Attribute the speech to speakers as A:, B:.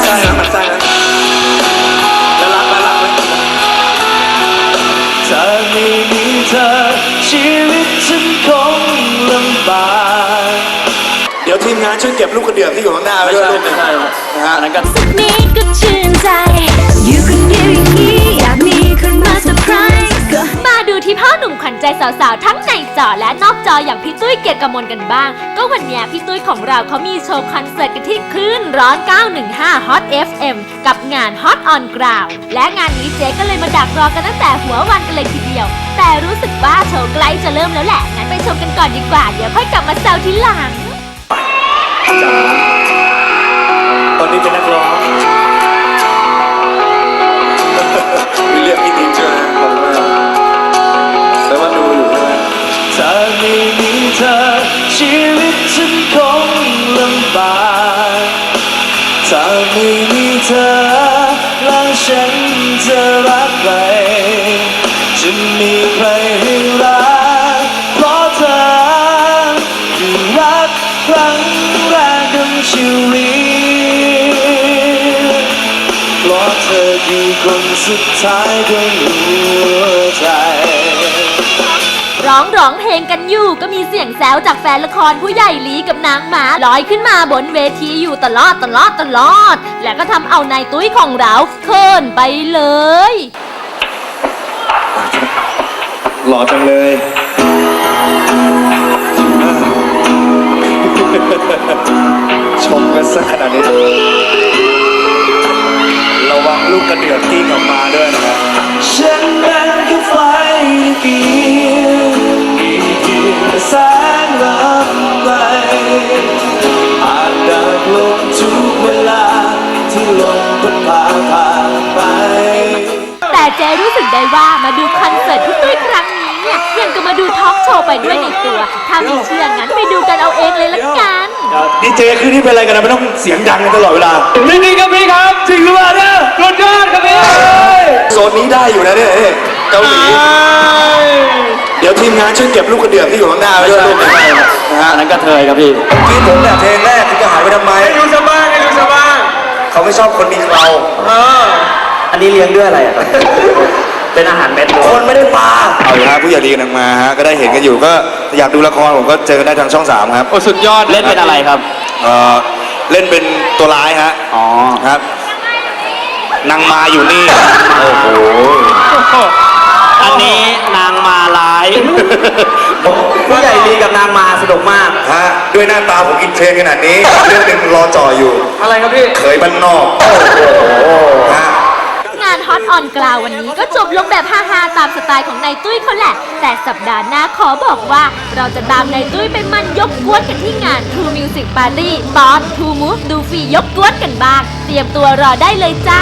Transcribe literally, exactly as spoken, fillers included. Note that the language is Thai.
A: ไส้นะมันไส้นะแล้วรักแล้วรักไหมถ้าไม่มีเธอชีวิตฉันคงลำบากเดี๋ยวทีมงานช่วยเก็บลูกกระเดื่องที่อยู่ข้างหน้าไว้ด้วยลูกนะฮะนั้นก็
B: สักนิดก็ชื่นใจอยู่คนเดียวอย่างนี้อยากมีคนมาเซอร์ไพรส์ก็มาดูที่พ่อหนุ่มขวัญใจสาวๆทั้งในจอและนอกจออย่างพี่ตุ้ยเกียรติกมลกันบ้างก็วันนี้พี่ตุ้ยของเราเขามีโชว์คอนเสิร์ตกันที่คลื่นร้อนเก้าหนึ่งห้า Hot เอฟ เอ็ม กับงาน Hot on Ground และงานนี้เจ๊ก็เลยมาดักรอกันตั้งแต่หัววันกันเลยทีเดียวแต่รู้สึกว่าโชว์ใกล้จะเริ่มแล้วแหละงั้นไปชมกันก่อนดีกว่าเดี๋ยวค่อยกลับมาแซวทีหลัง
A: จ๋าตอนนี้เป็นนักร้องมีเรียกพี่ติ๊กใช่ไหมขอบคุณมากแล้วมาดูอยู่ใช่ไหมถ้าไม่มีเธอชีวิตฉันคงลำบากถ้าไม่มีเธอแล้วฉันจะรักใครจะมีใครให้รักเพราะเธอคือรักครั้งแรกของชีวิตเพราะเธอคือคนสุดท้ายของหัวใจ
B: ร้องร้องเพลงกันอยู่ก็มีเสียงแซวจากแฟนละครผู้ใหญ่ลีกับนางหมาลอยขึ้นมาบนเวทีอยู่ตลอดตลอดตลอดและก็ทำเอานายตุ้ยของเราเขินไปเลย
A: หล่อจังเลยชมกันสักขนาดนี้ระวังลูกกระเดือกกิ้งออกมาด้วยนะครับฉันเป็นแค่ไฟเพียงมีเพียงแสงรับไปอาจดับลงทุกเวลาที่ลมพัดพาผ่านไป
B: แต่เจรู้สึกได้ว่ามาดูคอนเสิร์ตพี่ตุ้ยครั้งนี้เนี่ยยังก็มาดูทอล์กโชว์ไปด้วยในตัวถ้าไม่เชื่องั้นไปดูกันเอาเองเลยละกัน
A: ดีเจคือที่เป็นอะไรกันนะไม่ต้องเสียงดังกันตลอดเวลาจริงๆครับพี่ครับจริงหรือเปล่าเนี่ยรถยอดครับพี่โซนนี้ได้อยู่นะเนี่ยเกาหลีเดี๋ยวทีมงานช่วยเก็บลูกกระเดื่องที่อยู่ข้างหน้าไว้ด้วยลูกนะฮะนั้นก็เทยครับพี่พี่ผมแบบเพลงแรกคุณจะหายไปทำไมให้ดูชาวบ้านให้ดูชาวบ้านเขาไม่ชอบคนมีเคราอันนี้เลี้ยงด้วยอะไรอ่ะเป็นอาหารเม็ดคนไม่ได้มาเอาอยู่ฮะผู้ใหญ่ดีกันมาฮะก็ได้เห็นกันอยู่ก็อยากดูละครผมก็เจอกันได้ทางช่องสามครับโอ้สุดยอดเล่นเป็นอะไรครับเออเล่นเป็นตัวร้ายฮะอ๋อครับนางมาอยู่นี่โอ้โหอันนี้นางมาร้ายผู้ใหญ่ดีกับนางมาสนุกมากฮะด้วยหน้าตาผมอินเทรนขนาดนี้เรื่องหนึ่งรอจ่ออยู่อะไรครับพี่เคยบ้านนอกโอ้โหฮะ
B: งานฮอตออนกราววันนี้ก็จบลงแบบฮาๆตามสไตล์ของนายตุ้ยเขาแหละแต่สัปดาห์หน้าขอบอกว่าเราจะตามนายตุ้ยไปมันยกกวนกันที่งาน True Music Party ตอน True Move ดูฟรียกกวนกันบ้างเตรียมตัวรอได้เลยจ้า